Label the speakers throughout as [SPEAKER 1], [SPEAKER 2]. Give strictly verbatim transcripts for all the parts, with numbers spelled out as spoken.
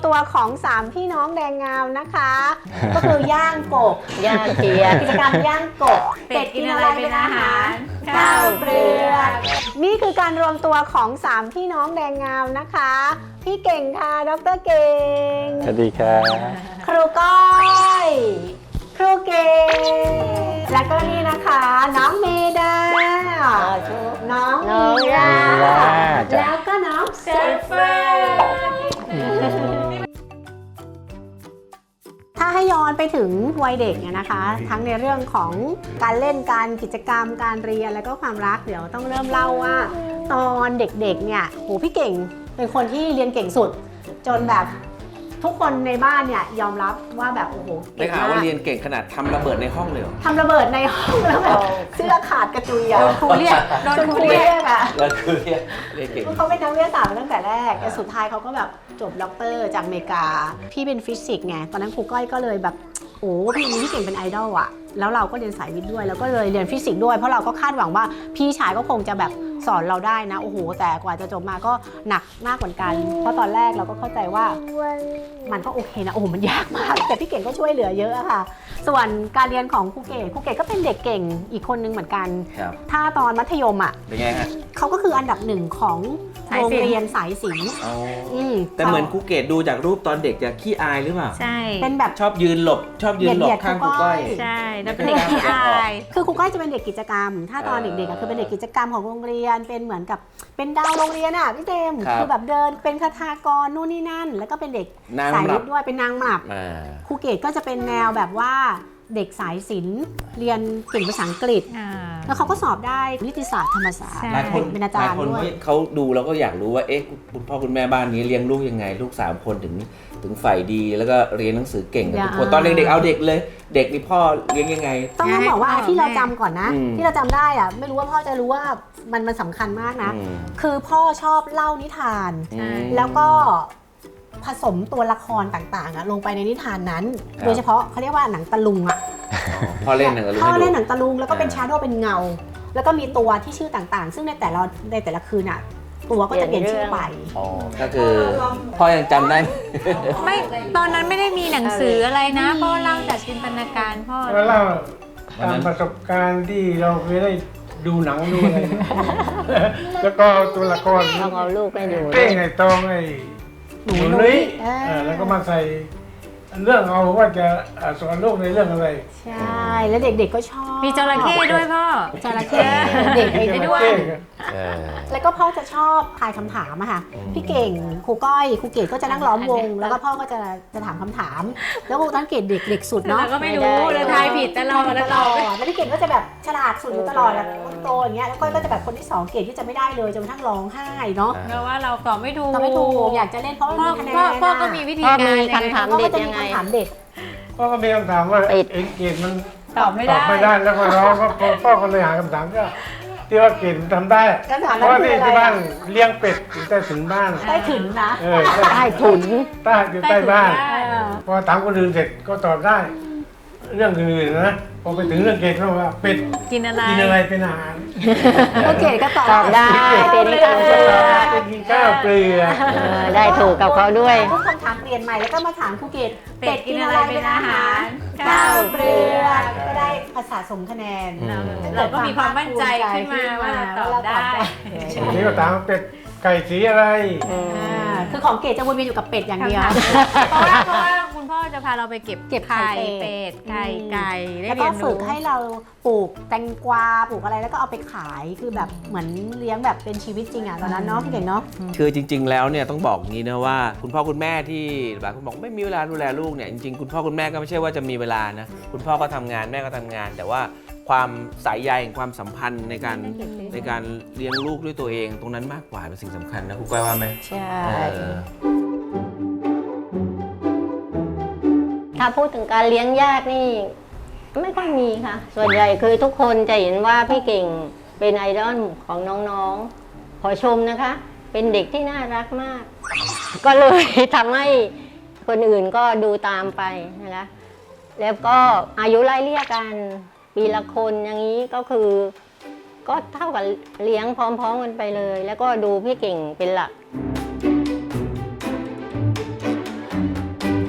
[SPEAKER 1] ตัวของสามพี่น้องแดงงามนะคะ ก็คือย่างกบ
[SPEAKER 2] ย่างเกีย
[SPEAKER 1] กิจกรรมย่างกบ
[SPEAKER 3] เป็ดกินอะไรเป็นอาหาร
[SPEAKER 1] ข้าวเปลือกนี่คือการรวมตัวของสามพี่น้องแดงงามนะคะ พี่เก่งค่ะดรเก่ง
[SPEAKER 4] สวัสดีครับ
[SPEAKER 1] ครูก้อยครูเก่งแล้วก็นี่นะคะน้องเมดาน้อง
[SPEAKER 2] น้อง
[SPEAKER 1] มี
[SPEAKER 2] ย่า
[SPEAKER 4] จ้ะ
[SPEAKER 1] แล้วก็น้องเซฟเฟอร์ถ้าให้ย้อนไปถึงวัยเด็กเนี่ยนะคะ ทั้งในเรื่องของการเล่นการกิจกรรมการเรียนแล้วก็ความรักเดี๋ยวต้องเริ่มเล่าว่า ตอนเด็กๆเนี่ยโหพี่เก่งเป็นคนที่เรียนเก่งสุด จนแบบทุกคนในบ้านเนี่ยยอมรับว่าแบบโอ้โห
[SPEAKER 5] ได้
[SPEAKER 1] เก่ง
[SPEAKER 5] ข่าว
[SPEAKER 1] มา
[SPEAKER 5] ว่าก เรียนเก่งขนาดทำระเบิดในห้องเลยเหรอ
[SPEAKER 1] ทำระเบิดในห้องแล้วแบบเสื้อขาดกระจุยอะ
[SPEAKER 3] โดนครูเรียกโดน
[SPEAKER 1] จน
[SPEAKER 3] ค
[SPEAKER 1] ค
[SPEAKER 3] รู
[SPEAKER 1] รู
[SPEAKER 3] เรีย
[SPEAKER 1] เรี
[SPEAKER 3] ก
[SPEAKER 1] ยกอะ
[SPEAKER 5] แล้วคือเรียนเรียนเก่ง
[SPEAKER 1] เขาเป็นนักวิทยาศาสตร์มาตั้งแต่แรกแต่สุดท้ายเขาก็แบบจบด็อกเตอร์จากอเมริกา พี่เป็นฟิสิกส์ไงตอนนั้นครูก้อยก็เลยแบบโอ้พี่มีพี่เก่งเป็นไอดอลอะแล้วเราก็เรียนสายวิทย์ด้วยแล้วก็เลยเรียนฟิสิกส์ด้วยเพราะเราก็คาดหวังว่าพี่ชายก็คงจะแบบสอนเราได้นะโอ้โหแต่กว่าจะจบมาก็หนักมากเหมือนกันเพราะตอนแรกเราก็เข้าใจว่ามันก็โอเคนะโอ้โหมันยากมากแต่พี่เก่งก็ช่วยเหลือเยอะอะค่ะส่วนการเรียนของครูเก่งครูเก่งก็เป็นเด็กเก่งอีกคนนึงเหมือนกัน
[SPEAKER 5] ครับ
[SPEAKER 1] ถ้าตอนมัธยมอะ
[SPEAKER 5] เป็นไงฮะ
[SPEAKER 1] เขาก็คืออันดับหนึ่งของโรงเรียนสายศิลป์
[SPEAKER 5] อ๋อ
[SPEAKER 1] อืม
[SPEAKER 5] แต่เหมือนครูเกดดูจากรูปตอนเด็กจะขี้อายหรือเปล่า
[SPEAKER 3] ใช่
[SPEAKER 1] เป็นแบบ
[SPEAKER 5] ชอบยืนหลบ ชอบยืนหลบข้างครูก้อย
[SPEAKER 3] ใช่แล้วเป็นเด็กที่อาย
[SPEAKER 1] คือครูก้อยจะเป็นเด็กกิจกรรม ถ้าตอน
[SPEAKER 5] เออ
[SPEAKER 1] เด็กๆอะคือเป็นเด็กกิจกรรมของโรงเรียน เป็นเหมือนกับเป็นดาวโรงเรียนอ่ะพี่เต็ม
[SPEAKER 5] ครับ
[SPEAKER 1] คือแบบเดินเป็นคทากรนู่นนี่นั่น แล้วก็เป็นเด็ก
[SPEAKER 5] นาง
[SPEAKER 1] สาย
[SPEAKER 5] หลั
[SPEAKER 1] วิ
[SPEAKER 5] บ
[SPEAKER 1] ทย์ด้วยเป็นนางหมับ
[SPEAKER 5] อ่า
[SPEAKER 1] ครูเกดก็จะเป็นแนวแบบว่าเด็กสายศิลป์เรียนเก่งภาษาอังกฤษ
[SPEAKER 3] อ่า
[SPEAKER 1] แล้วเขาก็สอบได้นิติศาสตร์ธรรมศาสตร์
[SPEAKER 3] ใช่
[SPEAKER 5] หลายคน
[SPEAKER 1] เป็นอา
[SPEAKER 5] ห
[SPEAKER 1] จา
[SPEAKER 5] ลาย
[SPEAKER 1] รย์
[SPEAKER 5] คน
[SPEAKER 1] ด้วย
[SPEAKER 5] เขาดูแล้วก็อยากรู้ว่า เอ๊ะ คุณพ่อคุณแม่บ้านนี้เลี้ยงลูกยังไง ลูกสามคนถึงถึงฝ่ายดี แล้วก็เรียนหนังสือเก่งกันทุกคน
[SPEAKER 1] อย่า
[SPEAKER 5] ตอนเด็กๆเอาเด็กเลย เด็กนี่พ่อเลี้ยงยังไง
[SPEAKER 1] ต้องต้องบอกว่า
[SPEAKER 3] ให้พ่อ
[SPEAKER 1] ที่เรา
[SPEAKER 3] แม่
[SPEAKER 1] จำก่อนนะ
[SPEAKER 5] อืม
[SPEAKER 1] ที่เราจำได้อะไม่รู้ว่าพ่อจะรู้ว่ามันมันสำคัญมากนะ
[SPEAKER 5] อืม
[SPEAKER 1] คือพ่อชอบเล่านิทาน
[SPEAKER 3] ใช่
[SPEAKER 1] แล้วก็ผสมตัวละครต่างๆอะลงไปในนิทานนั้น
[SPEAKER 5] ครับ
[SPEAKER 1] โดยเฉพาะเขาเรียกว่าหนังตะลุงอะ
[SPEAKER 5] อ๋อพ่อเล่นหนังกับลูก
[SPEAKER 1] พ่อ
[SPEAKER 5] ให้
[SPEAKER 1] เล่น
[SPEAKER 5] ดู
[SPEAKER 1] หนังตะลุงแล้วก็เป็น
[SPEAKER 5] อ่า
[SPEAKER 1] ชาโดว์เป็นเงา แล้วก็มีตัวที่ชื่อต่างๆ ซึ่งในแต่ละในแต่ละคืนอะตัวก็จะเปลี่ยนชื่อไป
[SPEAKER 5] อ๋อ ก็คือพ่อยังจำได้
[SPEAKER 3] ไม่ตอนนั้นไม่ได้มีหนังสืออะไรนะพ่อเล่าจากจินตนาการพ่อ
[SPEAKER 6] แล้วเล่าตามประสบการณ์ที่เราเคยได้ดูหนังดูอะไร แล้วก็ตัวละคร
[SPEAKER 2] ต้องเอาลูกไปดู
[SPEAKER 6] เป้งไอ้ตองไอ้
[SPEAKER 1] หนู
[SPEAKER 6] หนู
[SPEAKER 1] นุ้
[SPEAKER 6] นุ้
[SPEAKER 1] ย
[SPEAKER 6] ย
[SPEAKER 1] เออ
[SPEAKER 6] เออแล้วก็มาใส่เรื่องเอาว่าจะอ่าสอนลูกในเรื่องอะไร
[SPEAKER 1] ใช่แล้วเด็กๆก็ชอบ
[SPEAKER 3] มีจระเข้ด้วยพ่อ
[SPEAKER 1] จระเข้เด็กไปด้วย
[SPEAKER 5] เออ
[SPEAKER 1] แล้วก็พ่อจะชอบทายคำถามอะค่ะ พี่เก่งครูก้อยครูเกดก็จะนั่งล้อมวง แล้วก็พ่อก็จะจะถามคำถาม แล้วครูตอนเกดเด็กเด็กสุดเนาะ
[SPEAKER 3] เราก็ไม่รู้เราทายผิดตลอด
[SPEAKER 1] ต
[SPEAKER 3] ต
[SPEAKER 1] ล
[SPEAKER 3] ล
[SPEAKER 1] อ
[SPEAKER 3] อ
[SPEAKER 1] ด
[SPEAKER 3] ด
[SPEAKER 1] แล้วพี่เก่งก็จะแบบฉลาดสุดอยู่ตลอดแบบคนโตอย่างเงี้ยแล้วก้อยก็จะแบบคนที่สองเกดที่จะไม่ได้เลยจนกระทั่งร้องไห้เนาะ
[SPEAKER 3] เพราะว่าเราตอบไม่ถูก
[SPEAKER 1] ก็ไม่ถูกอยากจะเล่นเพราะว่า
[SPEAKER 3] พ่อ
[SPEAKER 1] มีคะแนน
[SPEAKER 3] พ่อพ่อก็
[SPEAKER 1] อะ
[SPEAKER 3] มีวิธี
[SPEAKER 2] พ่อ
[SPEAKER 3] การ
[SPEAKER 2] มีคำถาม
[SPEAKER 1] พ่อ
[SPEAKER 2] เด็
[SPEAKER 1] ก็
[SPEAKER 2] ด
[SPEAKER 1] จะมี
[SPEAKER 2] ยังไง
[SPEAKER 1] คำถามเด็ด
[SPEAKER 6] พ่อก็มีคำถามว่า
[SPEAKER 2] ปิด
[SPEAKER 6] เอ็งเกรดมัน
[SPEAKER 3] ตอบไม่
[SPEAKER 6] ตอ
[SPEAKER 3] ได้
[SPEAKER 6] บไม่ได้แล้วก็ร้องก็พ่อพ่อก็เลยหาคำถามก็ที่ว่าเกรดมันทำได้
[SPEAKER 1] คำถาม
[SPEAKER 6] เพ
[SPEAKER 1] นั้น
[SPEAKER 6] ราะว่า
[SPEAKER 1] คือ
[SPEAKER 6] ที่
[SPEAKER 1] อะไร
[SPEAKER 6] ที่บ้าน
[SPEAKER 1] อะ
[SPEAKER 6] เลี้ยงเป็ดอยู่ใต้ถุนบ้าน
[SPEAKER 1] ได้ถึงนะ
[SPEAKER 6] เออ
[SPEAKER 2] ใต้ถุน
[SPEAKER 6] ใต้อยู่ใต้บ้าน
[SPEAKER 1] เออ
[SPEAKER 6] พอถามคนอื่นเสร็จก็ตอบได้ เรื่องอื่นๆนะพอไปถึงเรื่องเกรดเขาบอกว่าเป็ด
[SPEAKER 3] กินอะไร
[SPEAKER 6] กินอะไรเป็นอาหาร
[SPEAKER 1] แล้วเกดก็ตอบ
[SPEAKER 2] ตอบได้เป็นข้าวเปลือก
[SPEAKER 6] เป็นกินข้าวเปลือก
[SPEAKER 2] เออได้ถูกกับเขาด้วย
[SPEAKER 1] ทุกคำถามเปลี่ยนใหม่แล้วก็มาถามครูเกด
[SPEAKER 3] เป็ดกินอะไรเป็นอาหาร
[SPEAKER 1] ข้าวเปลือกก็ได้ภาษาสมคะแนน
[SPEAKER 5] อืม
[SPEAKER 3] เราก็มีความมั่นใจขึ้นมาว่าเราตอบได้
[SPEAKER 6] ทีนี้ก็ถามว่าเป็ดไก่สีอะไร
[SPEAKER 1] อ่าคือของเกดจะวนเวียนอยู่กับเป็ดอย่างเดียว
[SPEAKER 3] เพราะว่าเพราะว่าคุณพ่อจะพาเราไปเก็บ
[SPEAKER 1] เก็บไข่
[SPEAKER 3] ไข่
[SPEAKER 1] เป็
[SPEAKER 3] เป็
[SPEAKER 1] ด
[SPEAKER 3] ดไข่ไก่ได้
[SPEAKER 1] แล้ว
[SPEAKER 3] เรี
[SPEAKER 1] ก็
[SPEAKER 3] ยน
[SPEAKER 1] ฝึ
[SPEAKER 3] รู้
[SPEAKER 1] กให้เราปลูกแตงกวาปลูกอะไรแล้วก็เอาไปขายคือแบบเหมือนเลี้ยงแบบเป็นชีวิตจริงอ่ะตอนนั้นเนาะพี่เก่งเนาะ
[SPEAKER 5] คือจริง ๆ แล้วเนี่ยต้องบอกงี้นะว่าคุณพ่อคุณแม่ที่หลายคนบอกไม่มีเวลาดูแลลูกเนี่ยจริงๆคุณพ่อคุณแม่ก็ไม่ใช่ว่าจะมีเวลานะคุณพ่อก็ทำงานแม่ก็ทำงาน แต่ว่าความสายใยความสัมพันธ์ในการในการเลี้ยงลูกด้วยตัวเองตรงนั้นมากกว่าเป็นสิ่งสำคัญนะคุณก้อยว่าไหม
[SPEAKER 2] ใช่
[SPEAKER 5] เออ
[SPEAKER 2] ถ้าพูดถึงการเลี้ยงยากนี่ไม่ค่อยมีค่ะ ส่วนใหญ่คือทุกคนจะเห็นว่าพี่เก่งเป็นไอดอลของน้องๆ ขอชมนะคะ เป็นเด็กที่น่ารักมาก ก็เลยทำให้คนอื่นก็ดูตามไปนะคะ แล้วก็อายุไล่เลี่ยกันปีละคนอย่างนี้ก็คือ ก็เท่ากับเลี้ยงพร้อมๆกันไปเลย แล้วก็ดูพี่เก่งเป็นหลัก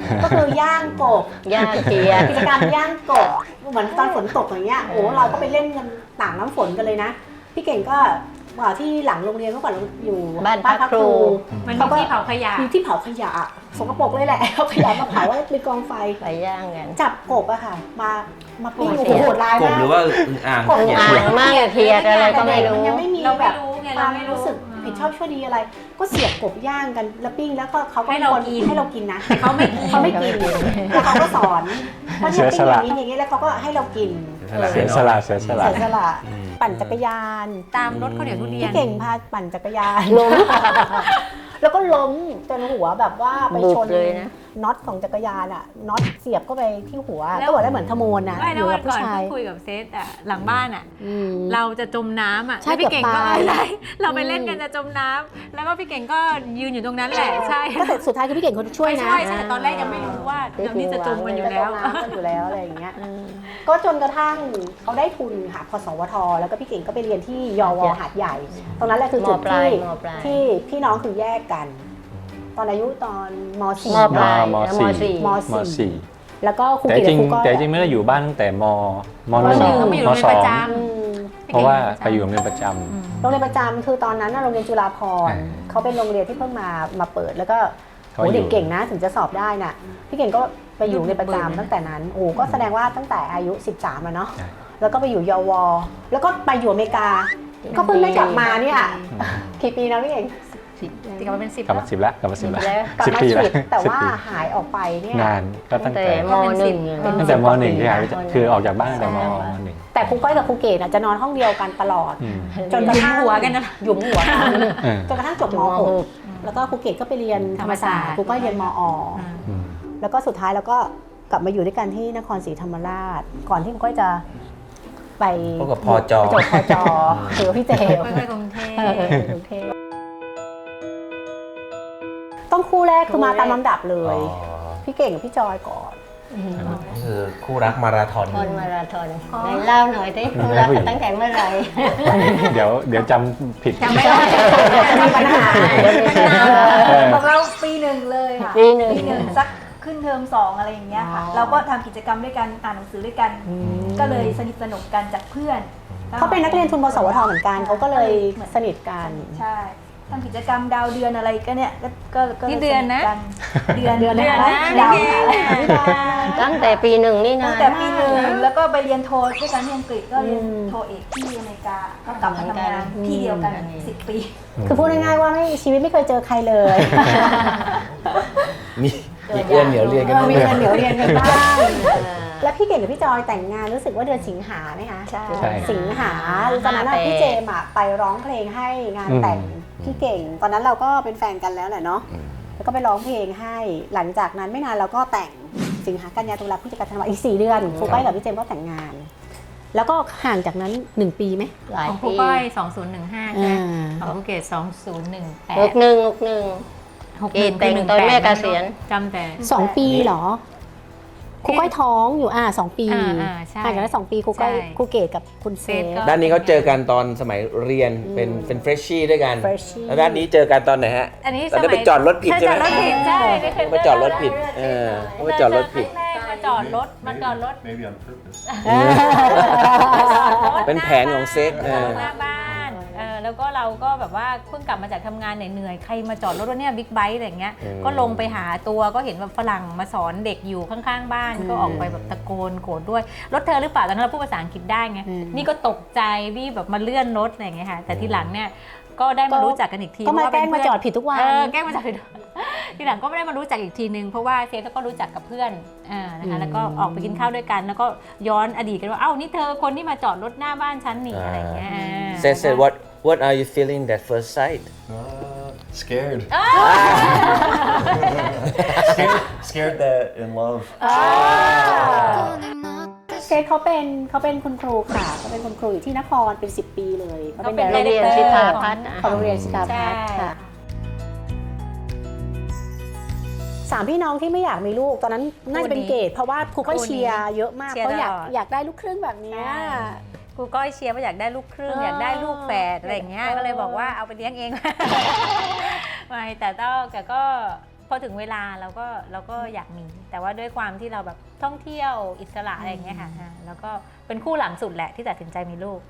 [SPEAKER 1] ก็คือย่างกบ
[SPEAKER 2] ย่างเทีย
[SPEAKER 1] กิจกรรมย่างกบเหมือนตอนฝนตกอย่างเงี้ยโอ้เราก็ไปเล่นกันต่างน้ำฝนกันเลยนะพี่เก่งก็ว่าที่หลังโรงเรียนเมื่อก่อนเราอยู่
[SPEAKER 2] บ้านพักครู
[SPEAKER 3] มันมีที่เผาขยะ
[SPEAKER 1] มีที่เผาขยะสกปรกเลยแหละเอาขยะมาเผาไว้เป็นกองไฟ
[SPEAKER 2] ไปย่างกัน
[SPEAKER 1] จับกบอะค่ะ มามาปิ้ง
[SPEAKER 2] โอ้
[SPEAKER 1] โอ้
[SPEAKER 2] โห
[SPEAKER 1] โหโหดร้าย
[SPEAKER 5] กบ
[SPEAKER 1] มาก
[SPEAKER 5] หรือว่าอึ่งอ่าง
[SPEAKER 1] กบ
[SPEAKER 5] เขีย
[SPEAKER 2] อ่างมากเทียดอะไรก็ไม่รู้
[SPEAKER 1] มันยังไม่มี
[SPEAKER 3] เรา
[SPEAKER 1] แบ
[SPEAKER 3] ไม่
[SPEAKER 1] บ
[SPEAKER 3] รู้ไง
[SPEAKER 1] ค
[SPEAKER 3] เรา
[SPEAKER 1] วาม
[SPEAKER 3] ไม่
[SPEAKER 1] รู้สึกผิดชอบชั่วดีอะไร ก็เสียบกบย่างกันแล้วปิ้งแล้วก็เขาก็
[SPEAKER 3] ให้เรา
[SPEAKER 1] คน
[SPEAKER 3] กิน
[SPEAKER 1] ให้เรากินนะ
[SPEAKER 3] เขาไม่กิน
[SPEAKER 1] เขาไม่กินแล้วเขาก็สอนว่าเนี่ยปิ้งอย่างนี้อย่างนี้แล้วเขาก็ให้เรากิน
[SPEAKER 4] เสียสละเสียสละ
[SPEAKER 1] เสียสละปั่นจักรยาน
[SPEAKER 3] ตามรถข้าวเหนียวทุเรียน
[SPEAKER 1] พี่เก่งพาปั่นจักรยาน
[SPEAKER 2] ล้ม
[SPEAKER 1] แล้วก็ล้มจนหัวแบบว่าไปชน
[SPEAKER 2] บุบเลยนะ
[SPEAKER 1] น็อตของจักรยานอะน็อตเสียบเข้าไปที่หัว
[SPEAKER 3] แล้ว
[SPEAKER 1] ก็บอกได้เหมือนขโมยนะ
[SPEAKER 3] ไม่
[SPEAKER 1] อ
[SPEAKER 3] แล้ว
[SPEAKER 1] ยู่
[SPEAKER 3] วั
[SPEAKER 1] กับ
[SPEAKER 3] น
[SPEAKER 1] ผู้
[SPEAKER 3] ก่อน
[SPEAKER 1] ชาย
[SPEAKER 3] เพิ่งคุยกับเซตอ่ะหลังบ้านอ่ะ
[SPEAKER 1] อืม
[SPEAKER 3] เราจะจมน้ำอ่ะ
[SPEAKER 1] ใช่
[SPEAKER 3] แล้วพี่เก่งก็
[SPEAKER 1] เกือบตาย
[SPEAKER 3] อะไรเราไปเล่นกันจะจมน้ำแล้วก็พี่เก่งก็ยืนอยู่ตรงนั้นแหละใช่
[SPEAKER 1] ก็แต่สุดท้ายคือพี่เก่งคนช่วย
[SPEAKER 3] ไม่
[SPEAKER 1] นะ
[SPEAKER 3] ใช่ใช่แต่ตอนแรกยังไม่รู้ว่าเดี๋ยวนี้จะจมกันอยู่แล้ว
[SPEAKER 1] จมน้ำกันอยู่แล้วอะไรอย่างเงี้ยก็จนกระทั่งเขาได้ทุนค่ะพสวทแล้วก็พี่เก่งก็ไปเรียนที่ยว หาดใหญ่ ตรงนั้นแหละคือจุด
[SPEAKER 2] มปลา
[SPEAKER 1] ที่
[SPEAKER 2] ยมปลาย
[SPEAKER 1] ที่พี่น้องคือแยกกัน ตอนอายุตอนม .สี่
[SPEAKER 2] มปลาย
[SPEAKER 4] ม
[SPEAKER 2] แล้ว
[SPEAKER 4] สี่
[SPEAKER 1] ม
[SPEAKER 4] ม
[SPEAKER 1] สี่
[SPEAKER 4] สี่
[SPEAKER 1] แล้วก็ครู
[SPEAKER 4] แต่
[SPEAKER 1] กิต
[SPEAKER 4] จริง
[SPEAKER 1] ครูก้อย
[SPEAKER 4] แต่จริงไม่ได้อยู่บ้านตั้งแต่มมหนึ่ง
[SPEAKER 3] มหนึ่งก็มาอยู่
[SPEAKER 4] ม
[SPEAKER 3] โรงเรียน
[SPEAKER 4] สอ
[SPEAKER 3] ประ
[SPEAKER 4] ง
[SPEAKER 3] จ
[SPEAKER 1] อืม
[SPEAKER 4] เพราะว่าไปอยู่โรงเรียนประจ
[SPEAKER 1] โรงเรียนประจำคือตอนนั้นน่ะโรงเรียนจุฬาภรณ์
[SPEAKER 4] อ่า
[SPEAKER 1] เขาเป็นโรงเรียนที่เพิ่งมามาเปิดแล้วก็
[SPEAKER 4] ำ
[SPEAKER 1] โห
[SPEAKER 4] เขาอยู่
[SPEAKER 1] เด็กเก่งนะถึงจะสอบได้น่ะพี่เก่งก็ไปอยู่ในประจำตั้งแต่นั้นโอ้ก็แสดงว่าตั้งแต่อายุสิบสามอะเนาะ
[SPEAKER 4] ใช่
[SPEAKER 1] แล้วก็ไปอยู่ยวแล้วก็ไปอยู่อเมริกา ก็เพิ่งได้กลับมาเนี่ยกี่ปีนะพี่เก่ง
[SPEAKER 3] ติดกันมาเป็นสิบ
[SPEAKER 4] กลับ
[SPEAKER 3] แล้ว
[SPEAKER 4] มาสิบแล้วกลับมาสิบแล้ว
[SPEAKER 2] แล้ว
[SPEAKER 1] กลับ
[SPEAKER 4] สิบ
[SPEAKER 1] มา
[SPEAKER 4] ปี
[SPEAKER 1] ฉี
[SPEAKER 4] แล้ว
[SPEAKER 1] ดแต่
[SPEAKER 4] สิบ
[SPEAKER 1] ว่า
[SPEAKER 4] ปี
[SPEAKER 1] หายออกไปเนี่ย
[SPEAKER 4] นานก็ตั้งแต่
[SPEAKER 2] มหนึ่ง
[SPEAKER 4] ตั้งแต่มหนึ่งที่หายไปจากคือออกจากบ้านตั้งแต่มหนึ่ง
[SPEAKER 1] แต่ครูก้อยกับครูเกดอะจะนอนห้องเดียวกันตลอด
[SPEAKER 4] อืม
[SPEAKER 1] จนกระทั่ง
[SPEAKER 3] หยุมหัวกันนะ
[SPEAKER 1] หยุมหัวกัน
[SPEAKER 4] เออ
[SPEAKER 1] จนกระทั่งจบม
[SPEAKER 2] มห
[SPEAKER 1] .ห
[SPEAKER 2] ก
[SPEAKER 1] กแล้วก็ครูเกดก็ไปเรียนธรรมศาสตร์
[SPEAKER 3] ธรรมศาสตร์
[SPEAKER 1] ครูก้อยเรียนมอ
[SPEAKER 4] อืม
[SPEAKER 1] แล้วก็สุดท้ายแล้วก็กลับมาอยู่ด้วยกันที่นครศรีธรรมราช ก่อนที่ครูก้อยจะไป
[SPEAKER 5] พบกับพอจอ
[SPEAKER 1] ไปจบพอจอคือพี่เจม
[SPEAKER 3] ค่อยๆกรุงเทพ
[SPEAKER 1] เออเออโอเคต้องคู่แรกคือมาตามลำดับเลย พี่เก่งกับพี่จอยก่อน
[SPEAKER 5] นี่คือคู่รักมาราธอน
[SPEAKER 2] คนมาราธอนไหนเล่าหน่อยสิคุณรักกันตั้งแต่เมื่อไหร่
[SPEAKER 4] เดี๋ยวเดี๋ยวจำผิด
[SPEAKER 3] จำไม่ได้
[SPEAKER 1] มีปัญหา
[SPEAKER 4] เออ
[SPEAKER 7] ของเราปีหนึ่งเลยค่ะ
[SPEAKER 2] ปีหนึ่ง
[SPEAKER 7] ปีหนึ่งสักขึ้นเทอมสองอะไรอย่างเงี้ยค่ะ
[SPEAKER 1] อ๋อ
[SPEAKER 7] เราก็ทำกิจกรรมด้วยกันอ่านหนังสือด้วยกัน ก็เลยสนิทสนมกันจากเพื่อน
[SPEAKER 1] เขาเป็นนักเรียนทุนพสวทเหมือนกันเขาก็เลยสนิทกัน
[SPEAKER 7] ใช่ทำกิจกรรมดาวเดือนอะไรก็เนี่ยก็ก็ก็ลย
[SPEAKER 3] นี่เดือนนะ
[SPEAKER 7] สกัเดือน
[SPEAKER 1] เดือน
[SPEAKER 3] เดือน
[SPEAKER 1] นะ
[SPEAKER 3] นะ
[SPEAKER 1] ดาว
[SPEAKER 3] นี่
[SPEAKER 1] ค่ะ
[SPEAKER 2] ตั้งแต่ปีหนึ่งนี่นะ
[SPEAKER 7] ตั้งแต่ปีหนึ่งแล้วก็ไปเรียนโทด้วยกันที่อังกฤษก็เรียน
[SPEAKER 1] อืม
[SPEAKER 7] โทเอกที่อเมริกาก็กลับมาทำงานที่เดียวกันสิบปี
[SPEAKER 1] คือพูดง่ายๆว่าไม่ชีวิตไม่เคยเจอใครเลย
[SPEAKER 5] มีมีเอื้อนเหนียวเรียนกัน
[SPEAKER 1] เออ
[SPEAKER 5] บ้าง
[SPEAKER 1] มี
[SPEAKER 5] ไหม
[SPEAKER 1] เงินเดี๋ยวเรียนกันบ้าง
[SPEAKER 2] เออ
[SPEAKER 1] แล้วพี่เก่งกับพี่จอยแต่งงานรู้สึกว่าเดือนสิงหาไหมคะ
[SPEAKER 7] ใช่
[SPEAKER 4] ใช่
[SPEAKER 1] สิงหาตอนนั้นอะ
[SPEAKER 2] ห้าแปด
[SPEAKER 1] พี่เจมส์อะไปร้องเพลงให้งานแต่งพี่เก่ง ตอนนั้นเราก็เป็นแฟนกันแล้วแหละเนาะแล้วก็ไปร้องเพลงให้หลังจากนั้นไม่นานเราก็แต่งสิงหากันยาตุลาพฤศจิกาธันวาอีกสี่เดือนครูก้อยกับพี่เจมส์ก็แต่งงาน แล้วก็ห่างจากนั้นหนึ่งปีไหม
[SPEAKER 2] หลาย
[SPEAKER 3] ของครู
[SPEAKER 2] ปี
[SPEAKER 3] ก้อยสองศูนย์หนึ่งห้าใช่ไหม
[SPEAKER 1] อ่า
[SPEAKER 3] ของครูเกดสองศูนย์หนึ่งแป
[SPEAKER 2] ห
[SPEAKER 3] ด
[SPEAKER 2] กหนึ่งหกหนึ่ง
[SPEAKER 3] หก
[SPEAKER 2] เกดแต่งตอนแม่เกษียณ
[SPEAKER 3] จำแต่
[SPEAKER 1] สองปีเหรอครูก้อยท้องอยู่อ่าสองปี
[SPEAKER 3] อ่าอ่าใช่
[SPEAKER 1] ห่างกันได้สองปีครูก้อย
[SPEAKER 3] ใช่
[SPEAKER 1] ครูเกดกับคุณเซ
[SPEAKER 3] เซฟ
[SPEAKER 1] ฟ
[SPEAKER 3] ก็
[SPEAKER 5] ด้านนี้เขาเจอกันตอนสมัยเรียนเป็นเป็นเฟรชชี่ด้วยกัน
[SPEAKER 1] Freshie
[SPEAKER 5] แล้วด้านนี้เจอกันตอนไหนฮะ
[SPEAKER 3] อันนี้
[SPEAKER 5] ตอนนั้นไปจอดรถผิดใช่ไหม
[SPEAKER 3] จอดรถผิดใช่นี่คือ
[SPEAKER 5] ไปจอดรถผิดเออไปจอดรถผิด
[SPEAKER 3] แรกๆมาจอดรถมาจอดรถ
[SPEAKER 8] Maybe on purpose.
[SPEAKER 5] เป็นแผนของเซฟเออ
[SPEAKER 3] หน้าบ้านเออแล้วก็เราก็แบบว่าเพิ่งกลับมาจากทำงานเหนื่อยๆใครมาจอดรถวะเนี่ยบิ๊กไบค์อะไรอย่างเงี้ย
[SPEAKER 5] อืม
[SPEAKER 3] ก็ลงไปหาตัวก็เห็นแบบฝรั่งมาสอนเด็กอยู่ข้างๆบ้านก็ออกไปแบบตะโกนโกรธด้วยรถเธอหรือเปล่าตอนนั้นเราพูดภาษาอังกฤษได้ไง
[SPEAKER 1] อืม
[SPEAKER 3] นี่ก็ตกใจรีบแบบมาเลื่อนรถอะไรอย่างเงี้ยค่ะแต่ทีหลังเนี่ยก็ได้มารู้จักกันอีกที
[SPEAKER 1] ก็มา
[SPEAKER 3] ว่
[SPEAKER 1] แกล้ง
[SPEAKER 3] เป็น
[SPEAKER 1] มา
[SPEAKER 3] เพื่น
[SPEAKER 1] จอดผิดทุกวัน
[SPEAKER 3] เออแกล้งมาจากผิด ทีหลังก็ไม่ได้มารู้จักอีกทีนึงเพราะว่าเซฟก็รู้จักกับเพื่อนอ่านะคะแล้วก็ออกไปกินข้าวด้วยกัน แล้วก็ย้อนอดีตกันว่าเอ้านี่เธอคนที่มาจอดรถหน้าบ้านฉันนี่อะไรอย่างเงี้ยอ่า
[SPEAKER 5] Said said what what are you feeling that first sight
[SPEAKER 8] Uh, scared. scared. Scared that in love.
[SPEAKER 1] เซฟเขาเป็นเขาเป็นคุณครูค่ะเขาเป็นคุณครูอยู่ที่นครเป็นสิบปีเลยเขาเป็น
[SPEAKER 3] เขาเป็น
[SPEAKER 1] ได
[SPEAKER 2] เรียน
[SPEAKER 1] เรค
[SPEAKER 2] ชิ
[SPEAKER 1] เตอ
[SPEAKER 2] ตา
[SPEAKER 1] ร์
[SPEAKER 2] พัฒน์อะ
[SPEAKER 1] ของโรงเรียนชิตาพัฒน์
[SPEAKER 3] ใช่
[SPEAKER 1] ค่ะสามพี่น้องที่ไม่อยากมีลูกตอนนั้นน่าจะเป็นเกดเพราะว่าครูก็เชียร์เยอะมาก
[SPEAKER 3] เชียร์
[SPEAKER 1] เขาอยาก
[SPEAKER 3] ตลอด
[SPEAKER 1] อยากได้ลูกครึ่งแบบเนี้ย
[SPEAKER 3] ใช่ ครูก้อยเชียร์ว่าอยากได้ลูกครึ่ง
[SPEAKER 1] เออ
[SPEAKER 3] อ
[SPEAKER 1] อ
[SPEAKER 3] ยากได้ลูกแฝดอะไรอย่างเงี้ย
[SPEAKER 1] เออ
[SPEAKER 3] ก็เลยบอกว่าเอาไปเลี้ยงเอง ไม่แต่ต้องแต่ก็พอถึงเวลาเราก็เราก็อยากมี แต่ว่าด้วยความที่เราแบบท่องเที่ยวอิสระอะไรอย่างเงี้ยค่ะอ่าแล้วก็เป็นคู่หลังสุดแหละที่ตัดสินใจมีลูก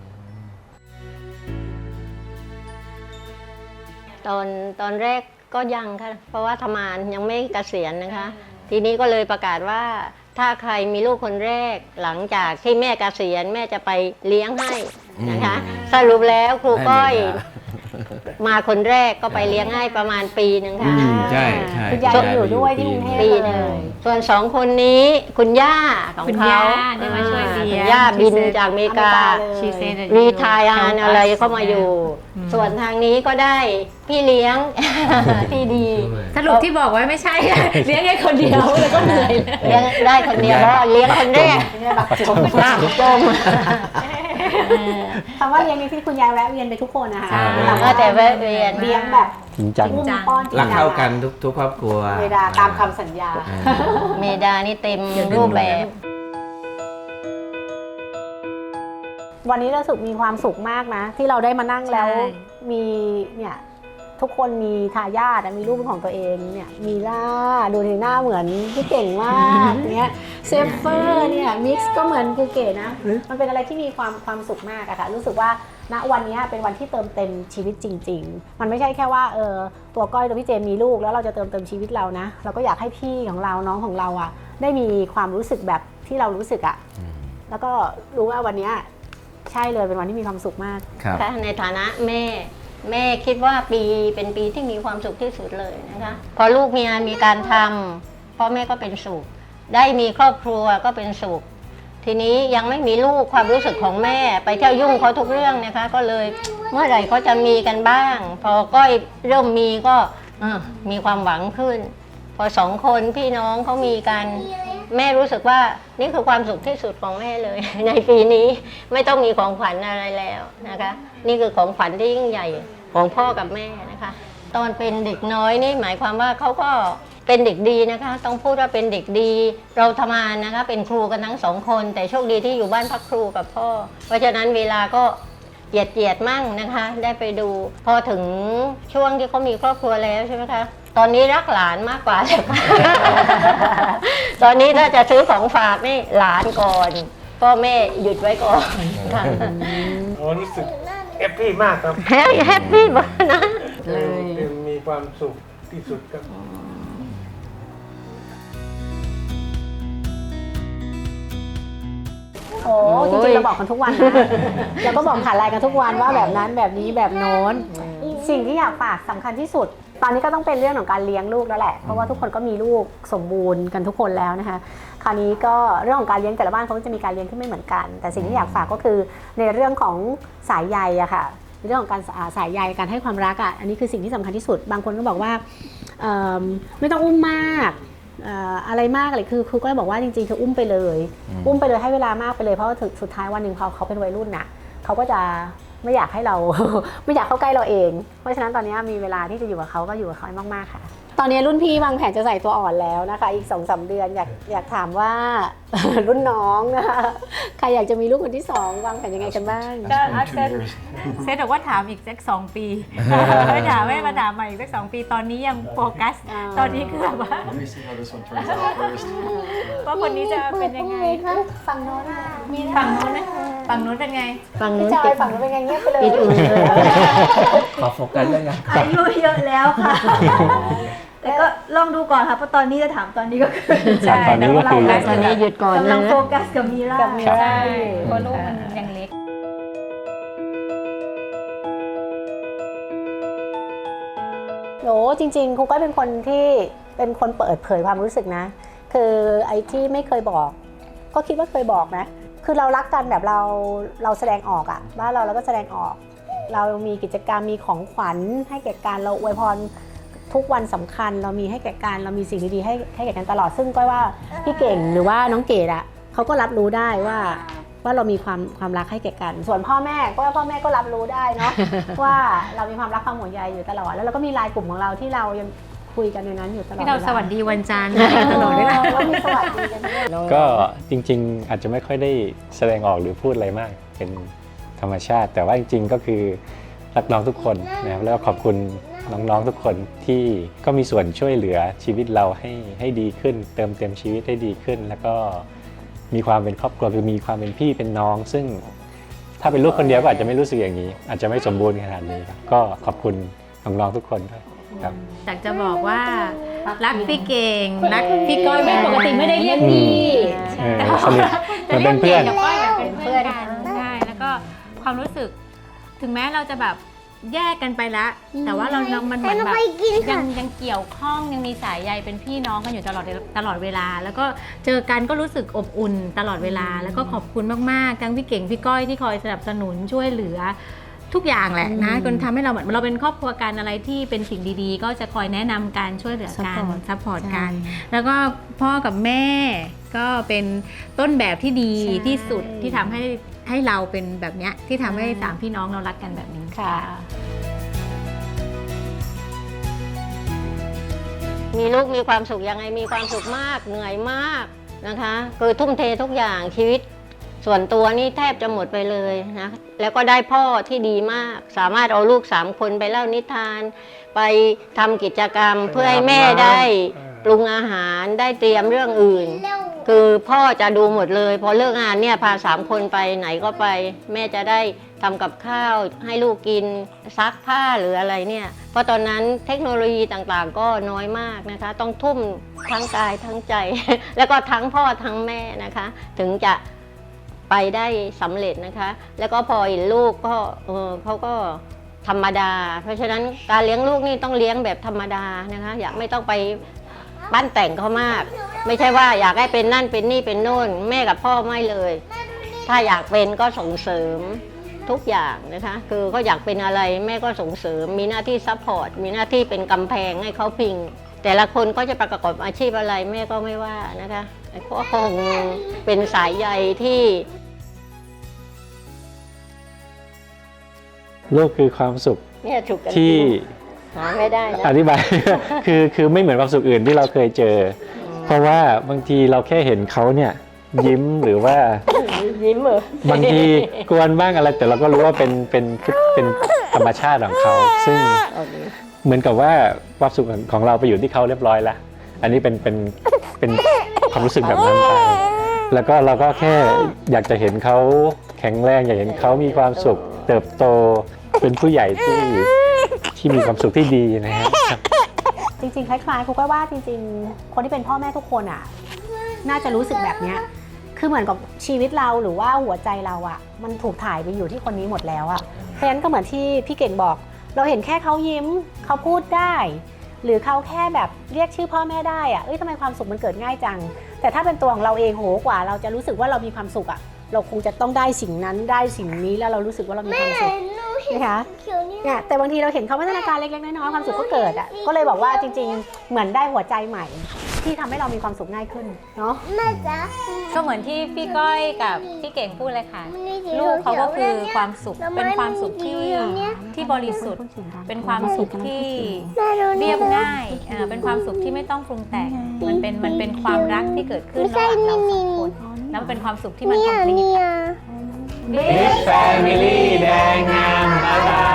[SPEAKER 2] ตอนตอนแรกก็ยังค่ะ เพราะว่าทำงานยังไม่เกษียณนะคะ ทีนี้ก็เลยประกาศว่าถ้าใครมีลูกคนแรกหลังจากที่แม่เกษียณแม่จะไปเลี้ยงให้นะคะ สรุปแล้วครูก้อยมาคนแรกก็ไปเลี้ยงให้ประมาณปีหนึ่งค่ะ
[SPEAKER 5] อืมใช่ใช่
[SPEAKER 1] คุณยายยังอยู่ด้วยที่กรุงเทพ
[SPEAKER 2] ปีหนึ่งส่วนสองคนนี้คุณย่าของ
[SPEAKER 3] คุณ
[SPEAKER 2] เขา
[SPEAKER 3] ย่าได้มาช่วยเลี้ยง
[SPEAKER 2] คุณย่าบินจากอเมริกา
[SPEAKER 3] She said that
[SPEAKER 2] รี
[SPEAKER 3] you
[SPEAKER 2] ไทายาน
[SPEAKER 3] help
[SPEAKER 2] อะไร
[SPEAKER 3] us
[SPEAKER 2] เข้ามาอยู่
[SPEAKER 3] อืม
[SPEAKER 2] ส่วนทางนี้ก็ได้พี่เลี้ยง ที่ดี
[SPEAKER 3] สรุปที่บอกไว้ไม่ใช่ เลี้ยงแค่คนเดียวแล้วก็เหนื่อยเลย
[SPEAKER 2] เลี้ยงได้คนเดียวเพราะเลี้ยงคนแรก
[SPEAKER 1] จม
[SPEAKER 2] มากจม
[SPEAKER 1] คำว่าเลี้ยงนี่ที่คุณยายแวะเวียนไปทุกคนนะคะ
[SPEAKER 3] ใช่
[SPEAKER 2] เราก็แต่แวะเวียน
[SPEAKER 1] เลี้ยงแบบ
[SPEAKER 4] จริงจัง
[SPEAKER 1] อุ้มป้อนจริง
[SPEAKER 5] รักเท่ากันทุกทุกครอบครัว
[SPEAKER 1] เวลาตามคำสัญญา
[SPEAKER 2] เมดานี่เต็มรูปแบบ
[SPEAKER 1] วันนี้เราสุขมีความสุขมากนะ ที่เราได้มานั่งแล้ว
[SPEAKER 3] ใช่
[SPEAKER 1] มีเนี่ยทุกคนมีทายาทอะมีลูกเป็นของตัวเองเนี่ยมีล่าดูในหน้าเหมือนพี่เก่งมากเนี่ยเซฟเฟอร์เนี่ยมิกซ์ก็เหมือนกูเก๋นะ มันเป็นอะไรที่มีความความสุขมากอะค่ะรู้สึกว่าณวันนี้เป็นวันที่เติมเต็มชีวิตจริง ๆ มันไม่ใช่แค่ว่าเออตัวก้อยตัวพี่เจมมีลูกแล้วเราจะเติมเต็มชีวิตเรานะเราก็อยากให้พี่ของเราน้องของเราอะได้มีความรู้สึกแบบที่เรารู้สึกอะแล้วก็รู้ว่าวันนี้ใช่เลยเป็นวันที่มีความสุขมาก
[SPEAKER 5] ครับ
[SPEAKER 2] ค่ะในฐานะแม่แม่คิดว่าปีเป็นปีที่มีความสุขที่สุดเลยนะคะพอลูกมีงานมีการทำพ่อแม่ก็เป็นสุขได้มีครอบครัวก็เป็นสุขทีนี้ยังไม่มีลูกความรู้สึกของแม่ไปเที่ยวยุ่งเขาทุกเรื่องนะคะก็เลยเมื่อไหร่เขาจะมีกันบ้าง พอก้อยเริ่มมีก็เอ่อมีความหวังขึ้น พอสองคนพี่น้องเขามีกันแม่รู้สึกว่านี่คือความสุขที่สุดของแม่เลย ในปีนี้ไม่ต้องมีของขวัญอะไรแล้วนะคะนี่คือของขวัญที่ยิ่งใหญ่ของพ่อกับแม่นะคะตอนเป็นเด็กน้อยนี่หมายความว่าเขาก็เป็นเด็กดีนะคะต้องพูดว่าเป็นเด็กดีเราทำงานนะคะเป็นครูกันทั้งสองคนแต่โชคดีที่อยู่บ้านพักครูกับพ่อเพราะฉะนั้นเวลาก็เหยียดเหยียดมั่งนะคะได้ไปดูพอถึงช่วงที่เขามีครอบครัวแล้วใช่ไหมคะตอนนี้รักหลานมากกว่า ตอนนี้ถ้าจะซื้อของฝากนี่หลานก่อนพ่อแม่หยุดไว้ก่อนค่ะ
[SPEAKER 6] โอ้รู้สึกแฮปปี้มากครับ
[SPEAKER 2] แฮปแฮปปี้มากนะ
[SPEAKER 6] เลยมีความสุขที่สุดครับ
[SPEAKER 1] โอ้จริงๆเราบอกกันทุกวันนะ เราก็บอกผ่านไลน์กันทุกวันว่าแบบนั้นแบบนี้แบบโน้น สิ่งที่อยากฝากสำคัญที่สุด ตอนนี้ก็ต้องเป็นเรื่องของการเลี้ยงลูกแล้วแหละ เพราะว่าทุกคนก็มีลูกสมบูรณ์กันทุกคนแล้วนะคะ คราวนี้ก็เรื่องของการเลี้ยงแต่ละบ้านเขาก็จะมีการเลี้ยงที่ไม่เหมือนกัน แต่สิ่งที่อยากฝากก็คือในเรื่องของสายใยอะค่ะเรื่องของการอ่าสายใยการให้ความรักอะอันนี้คือสิ่งที่สำคัญที่สุด บางคนก็บอกว่าเอิ่มไม่ต้องอุ้มมากเอ่ออะไรมากเลยคือครูก็บอกว่าจริงๆคืออุ้มไปเลย อุ้มไปเลยให้เวลามากไปเลยเพราะว่าถึงสุดท้ายวันหนึ่งพอเขาเป็นวัยรุ่นน่ะเขาก็จะไม่อยากให้เรา ไม่อยากเข้าใกล้เราเอง เพราะฉะนั้นตอนนี้มีเวลาที่จะอยู่กับเขาก็อยู่กับเขามากๆค่ะ ตอนนี้รุ่นพี่วางแผนจะใส่ตัวอ่อนแล้วนะคะอีก สองสาม เดือนอยากอยากถามว่า รุ่นน้องนะคะใครอยากจะมีลูกคนที่สองวางแผนยังไงกันบ้าง
[SPEAKER 3] ก็
[SPEAKER 8] In
[SPEAKER 3] อา
[SPEAKER 8] two
[SPEAKER 3] เซต
[SPEAKER 8] years.
[SPEAKER 3] เซตบอกว่าถามอีกสักสองปี ไม่ถามไม่มาถามใหม่อีกสักสองปีตอนนี้ยังโฟกัส
[SPEAKER 1] อ่า
[SPEAKER 3] ตอนนี้คือแบบว่า
[SPEAKER 8] Let me see how this one turns out first.
[SPEAKER 3] ว่าคนนี้จะเป็นยังไง
[SPEAKER 1] ฝั่งโน้นอ่ะมีนะ
[SPEAKER 3] ฝั่งนู้นนะฝั่งนู้นเป็นไง
[SPEAKER 2] ฝั่ง
[SPEAKER 1] พี่
[SPEAKER 2] นู้น
[SPEAKER 1] จอ
[SPEAKER 2] ติ
[SPEAKER 1] ย
[SPEAKER 2] ด
[SPEAKER 1] ฝั่งนู้นเป็นไงเงียบไปเลย
[SPEAKER 2] ปิดอื่นเลย
[SPEAKER 5] ขอโฟกัสเรื่องงาน
[SPEAKER 7] อายุเยอะแล้วค่ะ แต่ก็ลองดูก่อนค่ะเพราะตอนนี้จะถามตอนนี้ก็คือ
[SPEAKER 3] ใช่
[SPEAKER 4] ตอนนี้ก็คือ
[SPEAKER 2] ตอนนี้หยุดก่อน
[SPEAKER 7] กำลั
[SPEAKER 2] นะ
[SPEAKER 7] งโฟกัสกับมีร่า
[SPEAKER 1] กับมี
[SPEAKER 3] ใช่เพราะลูกมันยังเล็ก
[SPEAKER 1] โอ้จริงๆครูก็เป็นคนที่เป็นคนเปิดเผยความรู้สึกนะ คือไอ้ที่ไม่เคยบอก ก็คิดว่าเคยบอกนะ คือเรารักกันแบบเราเราแสดงออกอะบ้านเราเราก็แสดงออก เรามีกิจกรรมมีของขวัญให้แก่กันเราอวยพรทุกวันสำคัญ เรามีให้แก่กันเรามีสิ่งดีๆให้ให้แก่กันตลอดซึ่งก็ว่าพี่เก่งหรือว่าน้องเกดอะเขาก็รับรู้ได้ว่าว่าเรามีความความรักให้แก่กัน ส่วนพ่อแม่ก็พ่อแม่ก็รับรู้ได้เนาะ ว่าเรามีความรักความห่วงใยอยู่ตลอดแล้วเราก็มีไลน์กลุ่มของเราที่เรายังคุยกันในนั้นอยู่ตลอด
[SPEAKER 3] ที่เรา
[SPEAKER 1] ล
[SPEAKER 3] สวัสดีวันจันทร์ตลอดเวลา
[SPEAKER 1] เรามีสวัสดีกันด้วย
[SPEAKER 4] ก็จริงๆ อาจจะไม่ค่อยได้แสดงออกหรือพูดอะไรมากเป็นธรรมชาติ แต่ว่าจริงๆ ก็คือรักน้องทุกคนนะครับแล้วก็ขอบคุณน้องๆทุกคนที่ก็มีส่วนช่วยเหลือชีวิตเราให้ให้ดีขึ้น เติมเต็มชีวิตให้ดีขึ้น แล้วก็มีความเป็นครอบครัวคือมีความเป็นพี่เป็นน้อง ซึ่งถ้าเป็นลูกคนเดียวก็อาจจะไม่รู้สึกอย่างนี้ อาจจะไม่สมบูรณ์ขนาดนี้ครับก็ขอบคุณน้องๆทุกคนด้วยครับ
[SPEAKER 3] อยากจะบอกว่ารักพี่เก่งรักพี่ก้อยไม่ปกติไม่ได้เรียกพี่
[SPEAKER 4] เออสนิทเหมือนเป็นเพื่อน
[SPEAKER 3] จะรียกก่งกับก้อยเหมือนเป็นเพื่อนกันใช่แล้วก็ความรู้สึกถึงแม้เราจะแบบแยกกันไปแล้วแต่ว่าเราเรามันเหมือนแบบยังยังเกี่ยวข้องยังมีสายใยเป็นพี่น้องกันอยู่ตลอดตลอดเวลา แล้วก็เจอกันก็รู้สึกอบอุ่นตลอดเวลา แล้วก็ขอบคุณมากๆทั้งพี่เก่งพี่ก้อยที่คอยสนับสนุนช่วยเหลือทุกอย่างแหละนะจนทำให้เราเหมือนเราเป็นครอบครัวกันอะไรที่เป็นสิ่งดีๆ ก็จะคอยแนะนำการช่วยเหลือกัน
[SPEAKER 1] Support
[SPEAKER 3] ซัพพอร์ตกัน แล้วก็พ่อกับแม่ก็เป็นต้นแบบที่ดี
[SPEAKER 1] ใช่
[SPEAKER 3] ที่สุดที่ทำให้ให้เราเป็นแบบเนี้ยที่ทำให้สามพี่น้องเรารักกันแบบนี้
[SPEAKER 1] ค่ะ
[SPEAKER 2] มีลูกมีความสุขยังไงมีความสุขมากเหนื่อยมากนะคะคือทุ่มเททุกอย่างชีวิตส่วนตัวนี่แทบจะหมดไปเลยนะแล้วก็ได้พ่อที่ดีมาก สามารถเอาลูกสามคนไปเล่านิทาน ไปทำกิจกรรมเพื่อให้แม่ได้ปรุงอาหารได้เตรียมเรื่องอื่น คือพ่อจะดูหมดเลยพอเลิกงานเนี่ยพาสามคนไปไหนก็ไป แม่จะได้ทำกับข้าวให้ลูกกินซักผ้าหรืออะไรเนี่ยเพราะตอนนั้นเทคโนโลยีต่างๆ ก็น้อยมากนะคะต้องทุ่มทั้งกายทั้งใจ แล้วก็ทั้งพ่อทั้งแม่นะคะ ถึงจะไปได้สำเร็จนะคะ แล้วก็พอเห็นลูกก็เออเขาก็ธรรมดา เพราะฉะนั้นการเลี้ยงลูกนี่ต้องเลี้ยงแบบธรรมดานะคะอยากไม่ต้องไปปั้นแต่งเขามาก ไม่ใช่ว่าอยากให้เป็นนั่นเป็นนี่เป็นโน่นแม่กับพ่อไม่เลย ถ้าอยากเป็นก็ส่งเสริมทุกอย่างนะคะคือเขาอยากเป็นอะไรแม่ก็ส่งเสริมมีหน้าที่ซัพพอร์ตมีหน้าที่เป็นกำแพงให้เขาพิง แต่ละคนก็จะประกอบอาชีพอะไรแม่ก็ไม่ว่านะคะก็คงเป็นสายใยที่
[SPEAKER 4] ลูกคือความสุข
[SPEAKER 2] เนี่ยฉุกกัน
[SPEAKER 4] ที่
[SPEAKER 2] หาไม่ได้นะ
[SPEAKER 4] อธิบาย คือคือไม่เหมือนความสุขอื่นที่เราเคยเจอ เพราะว่าบางทีเราแค่เห็นเขาเนี่ยยิ้มหรือว่า
[SPEAKER 2] ยิ้มเหรอบ
[SPEAKER 4] างทีกวนบ้างอะไรแต่เราก็รู้ว่าเป็นเป็นเป็นธรรมชาติของเขา ซึ่งเหมือนกับว่าความสุขของเราไปอยู่ที่เขาเรียบร้อยแล้วอันนี้เป็นเป็นเป็นความรู้สึกแบบนั้นไปแล้วก็เราก็แค่อยากจะเห็นเขาแข็งแรงอยากเห็นเขามีความสุขเติบโตเป็นผู้ใหญ่ที่ที่มีความสุขที่ดีนะครับ
[SPEAKER 1] จริงๆคล้ายๆครูก็ว่าจริงๆ คนที่เป็นพ่อแม่ทุกคนอ่ะน่าจะรู้สึกแบบเนี้ยคือเหมือนกับชีวิตเราหรือว่าหัวใจเราอ่ะมันถูกถ่ายไปอยู่ที่คนนี้หมดแล้วอ่ะเพราะฉะนั้นก็เหมือนที่พี่เก่งบอก เราเห็นแค่เขายิ้มเขาพูดได้ หรือเขาแค่แบบเรียกชื่อพ่อแม่ได้อ่ะเอ้ยทำไมความสุขมันเกิดง่ายจังแต่ถ้าเป็นตัวของเราเองโหกว่าเราจะรู้สึกว่าเรามีความสุขอ่ะเราคงจะต้องได้สิ่งนั้นได้สิ่งนี้แล้วเรารู้สึกว่าเรามีความสุขนะคะเนี่ยแต่บางทีเราเห็นเขาพัฒนาการเล็กๆน้อยๆความสุขก็เกิดอ่ะก็เลยบอกว่าจริงๆเหมือนได้หัวใจใหม่ที่ทำให้เรามีความสุขง่ายขึ้นเนาะ
[SPEAKER 3] ก็เหมือนที่พี่ก้อยกับพี่เก่งพูดเลยค่ะ ลูกเขาก็คือความสุขเป็นความสุขที่ที่บริสุทธิ์เป็นความสุขที่เรียบง่ายอ่าเป็นความสุขที่ไม่ต้องปรุงแต่งมันเป็นมันเป็นความรักที่เกิดขึ้นระหว่างเราสองคนแล้วมันเป็นความสุขที่มันคอมพลีท
[SPEAKER 4] Big Family แดงงามบ๊ายบาย